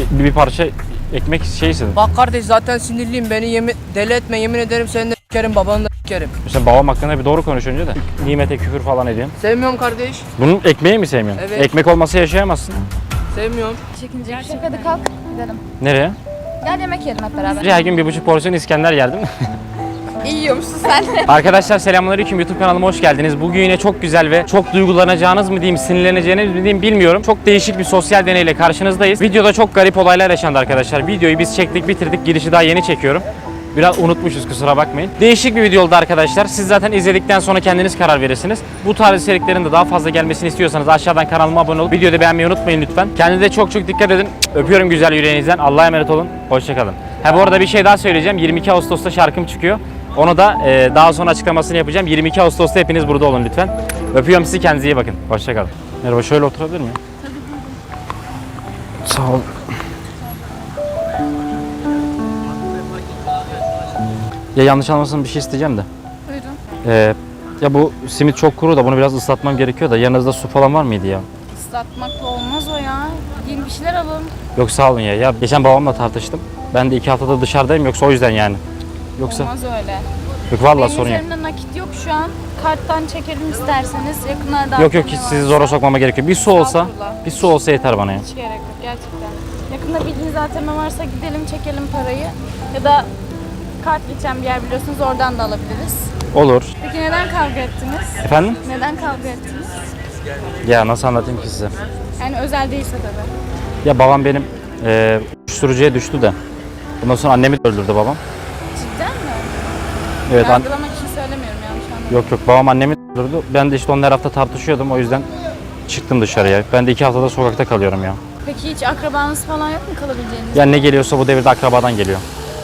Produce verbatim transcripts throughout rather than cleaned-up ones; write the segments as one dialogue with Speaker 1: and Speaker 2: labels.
Speaker 1: bir, bir parça ekmek şey istedim.
Speaker 2: Bak kardeş zaten sinirliyim. Beni yemin, deli etme. Yemin ederim seni de s**kerim, babanı da s**kerim.
Speaker 1: Sen babam hakkında bir doğru konuş önce de. Nimete küfür falan ediyorsun.
Speaker 2: Sevmiyorum kardeş.
Speaker 1: Bunun ekmeği mi sevmiyorsun?
Speaker 2: Evet.
Speaker 1: Ekmek olmasa yaşayamazsın.
Speaker 2: Sevmiyorum.
Speaker 3: Çekince bir şey yok. Hadi kalk gidelim.
Speaker 1: Nereye?
Speaker 3: Gel yemek yiyelim hep beraber.
Speaker 1: Her gün bir buçuk porsiyon İskender yerdim.
Speaker 3: İyi yiyormuşsun sen.
Speaker 1: Arkadaşlar selamünaleyküm, YouTube kanalıma hoş geldiniz. Bugün yine çok güzel ve çok duygulanacağınız mı diyeyim, sinirleneceğiniz mi diyeyim bilmiyorum. Çok değişik bir sosyal deneyle karşınızdayız. Videoda çok garip olaylar yaşandı arkadaşlar. Videoyu biz çektik, bitirdik. Girişi daha yeni çekiyorum. Biraz unutmuşuz, kusura bakmayın. Değişik bir video oldu arkadaşlar. Siz zaten izledikten sonra kendiniz karar verirsiniz. Bu tarz içeriklerin de daha fazla gelmesini istiyorsanız aşağıdan kanalıma abone olup videoyu da beğenmeyi unutmayın lütfen. Kendinize çok çok dikkat edin. Öpüyorum güzel yüreğinizden. Allah'a emanet olun. Hoşçakalın. Ha bu arada bir şey daha söyleyeceğim. yirmi iki Ağustos'ta şarkım çıkıyor. Onu da e, daha sonra açıklamasını yapacağım. yirmi iki Ağustos'ta hepiniz burada olun lütfen. Öpüyorum sizi, kendinize iyi bakın. Hoşçakalın. Merhaba, şöyle oturabilir miyim? Tabii. Sağ ol. Ya yanlış anlamasın, bir şey isteyeceğim de.
Speaker 3: Buyurun.
Speaker 1: Ee, ya bu simit çok kuru da bunu biraz ıslatmam gerekiyor da yanınızda su falan var mıydı ya?
Speaker 3: Islatmakla olmaz o ya. Yeni bir şeyler alın.
Speaker 1: Yok sağ olun ya. Ya geçen babamla tartıştım. Ben de iki haftada dışarıdayım, yoksa o yüzden yani. Yoksa
Speaker 3: Olmaz öyle.
Speaker 1: yok vallahi
Speaker 3: Benim
Speaker 1: sorun yok.
Speaker 3: üzerimde nakit yok şu an. Karttan çekelim isterseniz. Yakınlarda
Speaker 1: Yok yok, hiç
Speaker 3: A T M
Speaker 1: sizi
Speaker 3: var.
Speaker 1: zora sokmama gerekiyor. Bir su olsa,
Speaker 3: Estağfurullah.
Speaker 1: bir su olsa yeter bana ya.
Speaker 3: Hiç gerek yok gerçekten. Yakında bildiğiniz A T M varsa gidelim çekelim parayı. Ya da kart geçen bir yer biliyorsunuz, oradan da alabiliriz.
Speaker 1: Olur.
Speaker 3: Peki neden kavga ettiniz?
Speaker 1: Efendim?
Speaker 3: Neden kavga ettiniz?
Speaker 1: Ya nasıl anlatayım ki size?
Speaker 3: Yani özel değilse tabii.
Speaker 1: Ya babam benim e, uyuşturucuya düştü de. Ondan sonra annemi de öldürdü babam.
Speaker 3: Cidden mi?
Speaker 1: Evet. An-
Speaker 3: Yargılamak için söylemiyorum, yanlış anlamayın.
Speaker 1: yok yok, babam annemi de öldürdü. Ben de işte onunla her hafta tartışıyordum, o yüzden çıktım dışarıya. Ben de iki haftada sokakta kalıyorum ya.
Speaker 3: Peki hiç akrabanız falan yok mu kalabileceğiniz?
Speaker 1: Ya ne geliyorsa bu devirde akrabadan geliyor.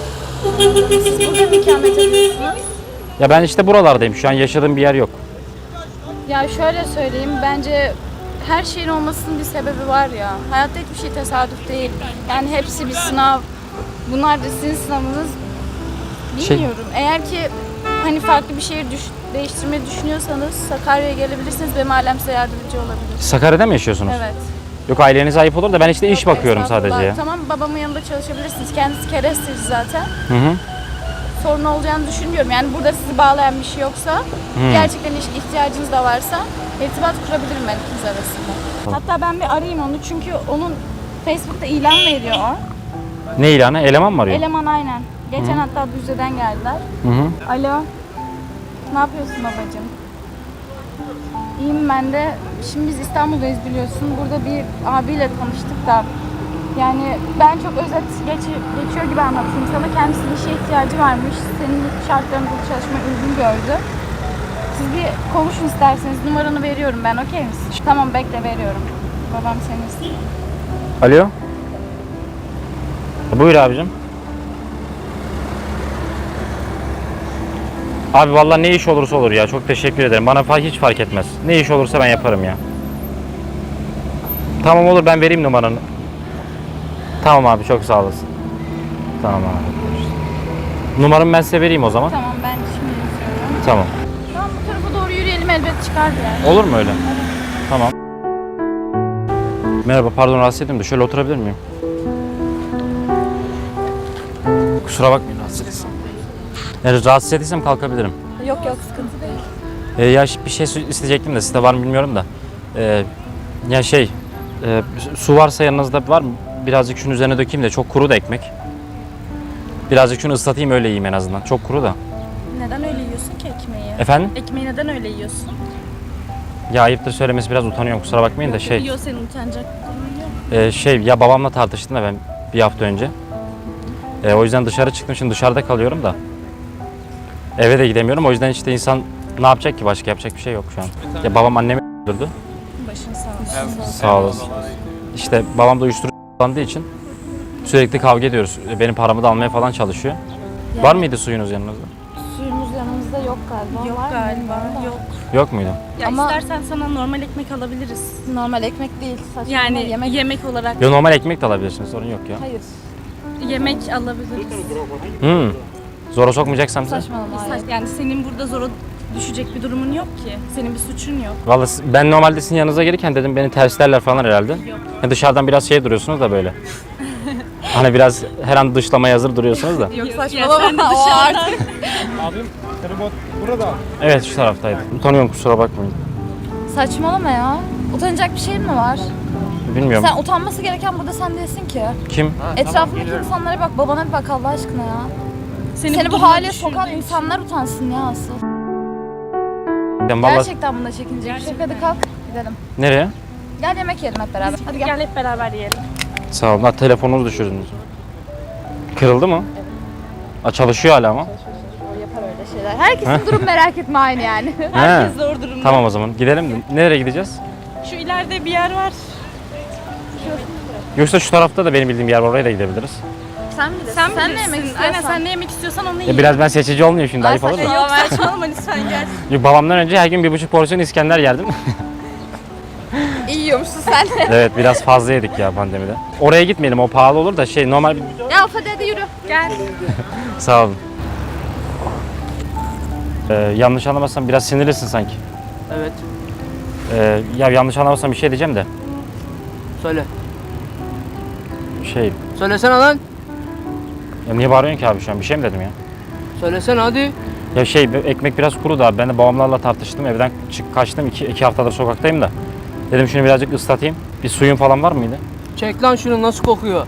Speaker 3: Siz burada mı ikamet ediyorsunuz?
Speaker 1: Ya ben işte buralardayım. Şu an yaşadığım bir yer yok.
Speaker 3: Ya şöyle söyleyeyim, bence her şeyin olmasının bir sebebi var ya. Hayatta hiçbir şey tesadüf değil. Yani hepsi bir sınav. Bunlar da sizin sınavınız.
Speaker 1: Şey-
Speaker 3: Bilmiyorum. Eğer ki hani farklı bir şehir düş- değiştirmeyi düşünüyorsanız Sakarya'ya gelebilirsiniz. Benim ailem size yardımcı olabilir.
Speaker 1: Sakarya'da mı yaşıyorsunuz?
Speaker 3: Evet.
Speaker 1: Yok, ailenize ayıp olur da ben işte iş
Speaker 3: Yok,
Speaker 1: bakıyorum
Speaker 3: estağfurullah.
Speaker 1: sadece ya.
Speaker 3: Tamam, babamın yanında çalışabilirsiniz. Kendisi keresteci zaten.
Speaker 1: Hı hı.
Speaker 3: Sorun olacağını düşünmüyorum. Yani burada sizi bağlayan bir şey yoksa,
Speaker 1: Hmm.
Speaker 3: gerçekten iş ihtiyacınız da varsa irtibat kurabilirim ben ikiniz arasında.
Speaker 1: Tamam.
Speaker 3: Hatta ben bir arayayım onu, çünkü onun Facebook'ta ilan veriyor o.
Speaker 1: Ne ilanı? Eleman mı arıyor?
Speaker 3: Eleman aynen. Geçen hatta Düzce'den geldiler.
Speaker 1: Hı hı.
Speaker 3: Alo. Ne yapıyorsun babacığım? İyiyim ben de. Şimdi biz İstanbul'dayız biliyorsun. Burada bir abiyle tanıştık da. Yani ben çok özet geç, geçiyor gibi anlatayım sana. Kendisinin işe ihtiyacı varmış. Senin şartlarını bu çalışmaya uygun gördü. Siz bir konuşun isterseniz. Numaranı veriyorum ben, okey misin? Tamam, bekle, veriyorum. Babam seni istiyor.
Speaker 1: Alo. Buyur abicim. Abi vallahi ne iş olursa olur ya. Çok teşekkür ederim. Bana fa- hiç fark etmez. Ne iş olursa ben yaparım ya. Tamam olur, ben vereyim numaranı. Tamam abi, çok sağ olasın. Tamam abi. Numaramı ben size vereyim o zaman.
Speaker 3: Tamam, ben şimdi yazıyorum.
Speaker 1: Tamam.
Speaker 3: Tamam, bu tarafa doğru yürüyelim, elbet çıkardı yani.
Speaker 1: Olur mu öyle? Tamam. Merhaba, pardon rahatsız ettim de şöyle oturabilir miyim? Kusura bakmayın, rahatsız etsem. Yani rahatsız ettiysem kalkabilirim.
Speaker 3: Yok yok, sıkıntı değil.
Speaker 1: Ee, ya bir şey su- isteyecektim de sizde var mı bilmiyorum da. Ee, ya şey, e, su varsa yanınızda var mı? Birazcık şunun üzerine dökeyim de, çok kuru da ekmek. Birazcık şunu ıslatayım, öyle yiyeyim en azından. Çok kuru da.
Speaker 4: Neden öyle yiyorsun ki ekmeği?
Speaker 1: Efendim?
Speaker 4: Ekmeği neden öyle yiyorsun?
Speaker 1: Ya ayıptır söylemesi, biraz utanıyorum, kusura bakmayın da şey.
Speaker 4: Yiyor, senin utanacak bir durumun yok.
Speaker 1: e, şey ya babamla tartıştım da ben bir hafta önce. E, o yüzden dışarı çıktım, şimdi dışarıda kalıyorum da. Eve de gidemiyorum, o yüzden işte insan ne yapacak ki, başka yapacak bir şey yok şu an. Ya babam annemi öldürdü.
Speaker 4: Başın sağ olsun.
Speaker 1: Sağ olasın. İşte babam da uyuşturucu kullandığı için sürekli kavga ediyoruz. Benim paramı da almaya falan çalışıyor. Var mıydı suyunuz yanınızda?
Speaker 3: Suyumuz yanımızda yok galiba.
Speaker 4: Yok
Speaker 3: Var mı?
Speaker 4: galiba,
Speaker 3: Bilmiyorum da.
Speaker 4: yok.
Speaker 1: Yok muydu?
Speaker 4: Ya
Speaker 3: Ama-
Speaker 4: istersen sana normal ekmek alabiliriz.
Speaker 3: Normal ekmek değil. Saçma
Speaker 4: Yani
Speaker 3: yemek.
Speaker 4: yemek, olarak
Speaker 1: Yo, normal ekmek de alabilirsiniz, sorun yok ya.
Speaker 3: Hayır.
Speaker 4: yemek alabiliriz.
Speaker 1: Hmm. Zora sokmayacaksam size.
Speaker 3: Saçmalama. hayır.
Speaker 4: Yani senin burada zora düşecek bir durumun yok ki. Senin bir suçun yok.
Speaker 1: Vallahi siz- ben normalde sizin yanınıza gelirken dedim beni terslerler falan herhalde.
Speaker 4: Yok.
Speaker 1: Ya dışarıdan biraz şey duruyorsunuz da böyle. Hani biraz her an dışlamaya hazır duruyorsunuz da.
Speaker 4: Yok saçmalama o artık.
Speaker 5: Abim tribot burada.
Speaker 1: Evet şu taraftaydı. Utanıyorum kusura bakmayın.
Speaker 3: Saçmalama ya. Utanacak bir şey mi var?
Speaker 1: Bilmiyorum.
Speaker 3: Sen utanması gereken burada sen değilsin ki.
Speaker 1: Kim?
Speaker 3: Etrafındaki insanlara bak, babana bir bak Allah aşkına ya.
Speaker 4: Seni,
Speaker 3: Seni bu
Speaker 4: duruma
Speaker 3: hale
Speaker 4: düşürdüğü
Speaker 3: sokan
Speaker 4: için.
Speaker 3: insanlar utansın ya asıl.
Speaker 1: Ben vallahi...
Speaker 3: Gerçekten bunda çekinecek bir şey yok. Hadi kalk gidelim.
Speaker 1: Nereye?
Speaker 3: Gel yemek yiyelim hep beraber. Hadi gel.
Speaker 4: Gel hep beraber yiyelim.
Speaker 1: Sağ olun. Ha, telefonunuzu düşürdünüz. Kırıldı mı? Ha, çalışıyor hala ama.
Speaker 3: O yapar öyle şeyler. Herkesin durum merak etme aynı yani.
Speaker 4: Herkes
Speaker 1: He.
Speaker 4: zor durumda.
Speaker 1: Tamam o zaman gidelim. Nereye gideceğiz?
Speaker 4: Şu ileride bir yer var.
Speaker 1: Yoksa şu tarafta da benim bildiğim yer var, oraya da gidebiliriz.
Speaker 3: Sen bilirsin.
Speaker 4: Sen,
Speaker 3: Sen ne
Speaker 4: bilirsin.
Speaker 3: yemek istiyorsan.
Speaker 4: Aynen sen ne yemek istiyorsan onu
Speaker 1: Ya
Speaker 4: yiyin.
Speaker 1: biraz ben seçici olmayayım şimdi,
Speaker 3: Ben
Speaker 1: ayıp olur mu?
Speaker 3: saçma-
Speaker 4: Yok saçmalama lütfen gel.
Speaker 1: Yok, babamdan önce her gün bir buçuk porsiyon İskender yerdim.
Speaker 3: İyi yiyormuşsun sen de.
Speaker 1: Evet biraz fazla yedik ya pandemide. Oraya gitmeyelim, o pahalı olur da şey normal bir...
Speaker 3: Ya hadi hadi yürü.
Speaker 4: Gel.
Speaker 1: Sağ olun. Ee, yanlış anlamazsam biraz sinirlisin sanki.
Speaker 2: Evet.
Speaker 1: Ee, ya yanlış anlamazsam bir şey diyeceğim de.
Speaker 2: Söyle.
Speaker 1: Şey,
Speaker 2: Söylesene lan.
Speaker 1: ya niye bağırıyorsun ki abi şu an? Bir şey mi dedim ya?
Speaker 2: Söylesene hadi.
Speaker 1: Ya şey, ekmek biraz kuru da abi. Ben de babamlarla tartıştım. Evden çık kaçtım. İki, iki haftadır sokaktayım da. Dedim şunu birazcık ıslatayım. Bir suyun falan var mıydı?
Speaker 2: Çek lan şunu, nasıl kokuyor?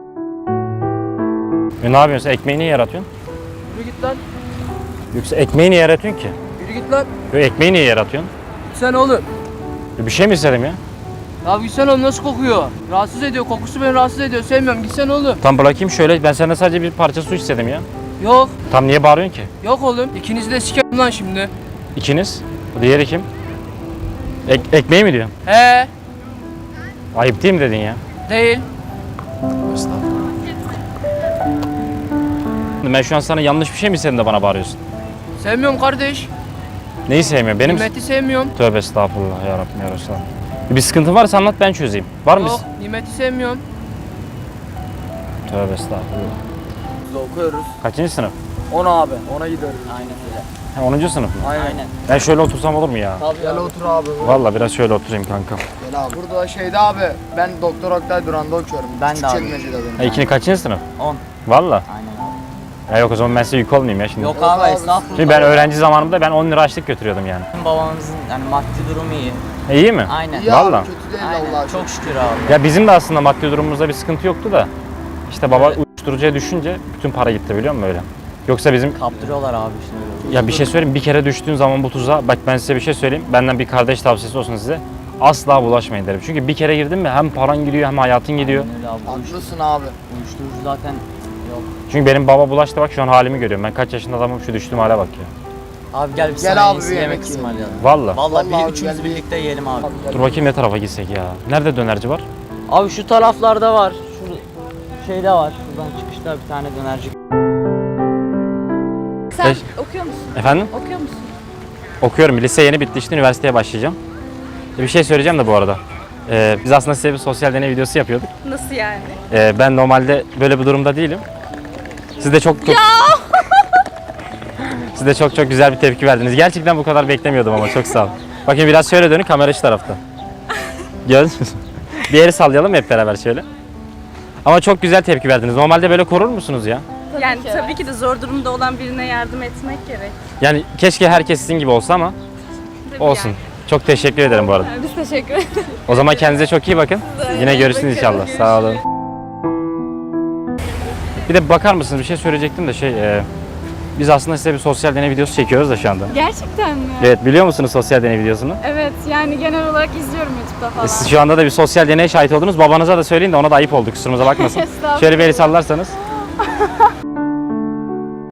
Speaker 1: E ne yapıyorsun? Sen ekmeği niye yaratıyorsun?
Speaker 2: Yürü git lan.
Speaker 1: Yoksa ekmeği niye yaratıyorsun ki?
Speaker 2: Yürü git lan.
Speaker 1: Yo, ekmeği niye yaratıyorsun?
Speaker 2: Sen oğlum.
Speaker 1: Ya bir şey mi istedim ya?
Speaker 2: Ya gitsene oğlum, nasıl kokuyor? Rahatsız ediyor, kokusu beni rahatsız ediyor. Sevmiyorum, gitsene oğlum.
Speaker 1: Tam bırakayım şöyle. Ben senden sadece bir parça su istedim ya.
Speaker 2: Yok.
Speaker 1: Tam niye bağırıyorsun ki?
Speaker 2: Yok oğlum. İkinizi de sikerim lan şimdi.
Speaker 1: İkiniz. Diğeri kim? Ek, ekmeği mi diyorsun?
Speaker 2: He.
Speaker 1: Ayıp değil mi dedin ya?
Speaker 2: Değil.
Speaker 1: Ben şu an sana yanlış bir şey mi istedim de bana bağırıyorsun?
Speaker 2: Sevmiyorum kardeş.
Speaker 1: Neyi sevmiyorum? Benim...
Speaker 2: Nimeti sevmiyorum.
Speaker 1: Tövbe estağfurullah ya Rabbim ya Resulallah. Bir sıkıntın varsa anlat, ben çözeyim. Var mı?
Speaker 2: Yok. Nimeti sevmiyorum.
Speaker 1: Tövbe estağfurullah.
Speaker 6: Biz okuyoruz.
Speaker 1: Kaçıncı sınıf?
Speaker 6: on abi. ona gidiyoruz. Aynen öyle.
Speaker 1: Ha, onuncu sınıf mı?
Speaker 6: Aynen.
Speaker 1: Ben şöyle otursam olur mu ya?
Speaker 6: Tabii Gel otur abi.
Speaker 1: Vallahi biraz şöyle oturayım kanka.
Speaker 6: Gel abi. Burada şeyde abi. Ben Doktor Oktay Duran'da okuyorum. Ben de abi. benim.
Speaker 1: Ha, ikini kaçıncı sınıf?
Speaker 6: on.
Speaker 1: Vallahi.
Speaker 6: Aynen abi.
Speaker 1: Ya yok o zaman ben size yük olmayayım ya şimdi.
Speaker 6: Yok abi estağfurullah.
Speaker 1: Şimdi ben öğrenci zamanımda ben on lira açlık götürüyordum yani.
Speaker 6: Babamızın yani maddi durumu iyi.
Speaker 1: E, iyi mi?
Speaker 6: Aynen.
Speaker 1: Vallahi.
Speaker 6: kötü değil Aynen. Çok şükür abi.
Speaker 1: Ya bizim de aslında maddi durumumuzda bir sıkıntı yoktu da. İşte baba uyuşturucuya düşünce bütün para gitti, biliyor musun öyle? Yoksa bizim...
Speaker 6: Kaptırıyorlar abi şimdi.
Speaker 1: Ya bir şey söyleyeyim, bir kere düştüğün zaman bu tuzağa, bak ben size bir şey söyleyeyim, benden bir kardeş tavsiyesi olsun size. Asla bulaşmayın derim. Çünkü bir kere girdin mi hem paran gidiyor hem hayatın gidiyor.
Speaker 6: Öyle abi. Haklısın abi. Uyuşturucu zaten yok.
Speaker 1: Çünkü benim baba bulaştı, bak şu an halimi görüyorum. Ben kaç yaşında adamım, şu düştüğüm hale bak ya.
Speaker 6: Abi gel bir
Speaker 7: Gel
Speaker 6: sana
Speaker 7: abi,
Speaker 6: iyisi
Speaker 7: bir
Speaker 6: yemek
Speaker 7: yemek yiyelim.
Speaker 6: ısmarlayalım.
Speaker 1: Vallahi.
Speaker 6: Vallahi,
Speaker 7: Vallahi
Speaker 6: bir üçümüz
Speaker 7: gel.
Speaker 6: birlikte yiyelim abi.
Speaker 1: Dur bakayım ne tarafa gitsek ya. Nerede dönerci var?
Speaker 6: Abi şu taraflarda var. Şu şeyde var. Şuradan çıkışta bir tane dönerci.
Speaker 3: Sen
Speaker 1: Beş-
Speaker 3: okuyor musun?
Speaker 1: Efendim?
Speaker 3: Okuyor musun?
Speaker 1: Okuyorum. Lise yeni bitti, işte üniversiteye başlayacağım. Bir şey söyleyeceğim de bu arada. Ee, biz aslında size bir sosyal deney videosu yapıyorduk.
Speaker 4: Nasıl yani?
Speaker 1: Ee, ben normalde böyle bir durumda değilim. Siz de çok çok... Siz de çok çok güzel bir tepki verdiniz. Gerçekten bu kadar beklemiyordum ama çok sağ olun. Bakın biraz şöyle dönün, kamera şu tarafta. Gördünüz mü? Bir yeri sallayalım hep beraber şöyle. Ama çok güzel tepki verdiniz. Normalde böyle korur musunuz ya?
Speaker 4: yani
Speaker 3: ki.
Speaker 4: tabii ki de zor durumda olan birine yardım etmek gerek.
Speaker 1: Yani keşke herkes sizin gibi olsa ama
Speaker 4: Tabii
Speaker 1: olsun.
Speaker 4: yani.
Speaker 1: Çok teşekkür ederim bu arada.
Speaker 3: Biz teşekkür ederiz.
Speaker 1: O zaman kendinize çok iyi bakın. Yine görüşürüz inşallah. Sağ olun. Bir de bakar mısınız, bir şey söyleyecektim de şey, e, biz aslında size bir sosyal deney videosu çekiyoruz da şu anda.
Speaker 3: Gerçekten mi?
Speaker 1: Evet, biliyor musunuz sosyal deney videosunu?
Speaker 3: Evet, yani genel olarak izliyorum YouTube'da falan.
Speaker 1: E, siz şu anda da bir sosyal deneye şahit oldunuz. Babanıza da söyleyin de ona da ayıp oldu, kusurumuza bakmasın.
Speaker 3: Estağfurullah.
Speaker 1: Şöyle bir el sallarsanız.